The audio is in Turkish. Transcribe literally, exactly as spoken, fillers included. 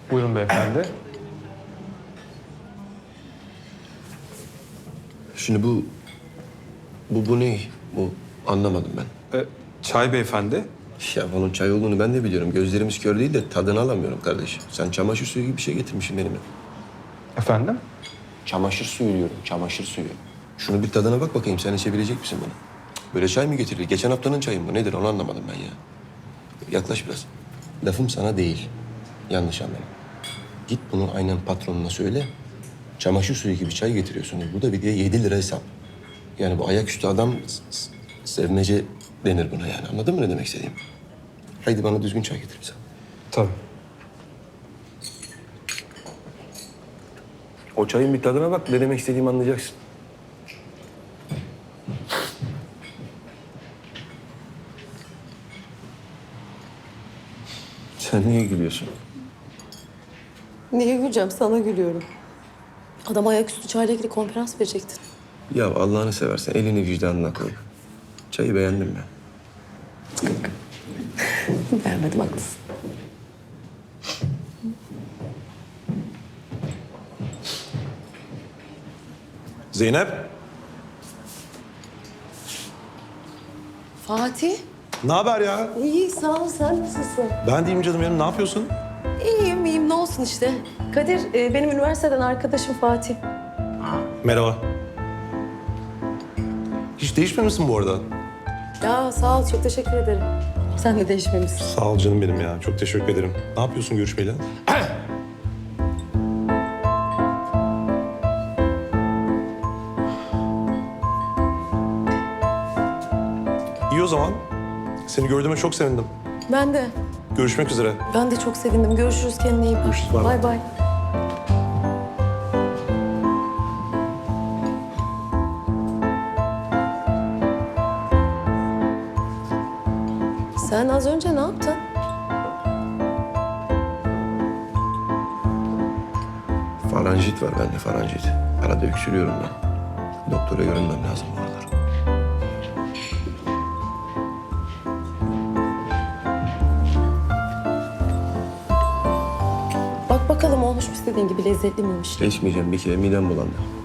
Buyurun beyefendi. Şimdi bu... Bu, bu ne? Bu anlamadım ben. Ee, çay beyefendi. Ya bunun çay olduğunu ben de biliyorum. Gözlerimiz kör değil de tadını alamıyorum kardeşim. Sen çamaşır suyu gibi bir şey getirmişsin benimle. Efendim? Çamaşır suyu diyorum, çamaşır suyu. Şunu bir tadına bak bakayım, sen içebilecek misin bunu? Böyle çay mı getirilir? Geçen haftanın çayı mı? Nedir onu anlamadım ben ya. Yaklaş biraz. Lafım sana değil. Yanlış anlama. Git bunu aynen patronuna söyle. Çamaşır suyu gibi çay getiriyorsunuz. Bu da bir de yedi lira hesap. Yani bu ayaküstü adam s- s- sevmece denir buna yani. Anladın mı ne demek istediğimi? Haydi bana düzgün çay getir bize. Tabii. O çayın bir tadına bak, ne demek istediğimi anlayacaksın. Sen niye gülüyorsun? Niye güleceğim? Sana gülüyorum. Adam ayaküstü çayla ilgili konferans verecektin. Ya Allah'ını seversen elini vicdanına koy. Çayı beğendim mi? Beğenmedim, haklısın. Zeynep, Fatih, ne haber ya? iyi sağ ol. Sen nasılsın? Ben deyim canım benim, ne yapıyorsun? İyiyim, iyiyim. Ne olsun işte. Kadir, e, benim üniversiteden arkadaşım Fatih. Merhaba. Hiç değişmemişsin bu arada. Ya sağ ol, çok teşekkür ederim. Sen de değişmemişsin. Sağ ol canım benim ya, çok teşekkür ederim. Ne yapıyorsun görüşmeyle? İyi o zaman. Seni gördüğüme çok sevindim. Ben de. Görüşmek üzere. Ben de çok sevindim. Görüşürüz, kendine iyi bak. Görüşürüz, bay bay. Bay bay. Sen az önce ne yaptın? Faranjit var bende, faranjit. Arada öksürüyorum ben. Doktora görünmem lazım bu aralar. Bak bakalım olmuş mu istediğin gibi, lezzetli miymiş? İçmeyeceğim, bir kere midem bulandı.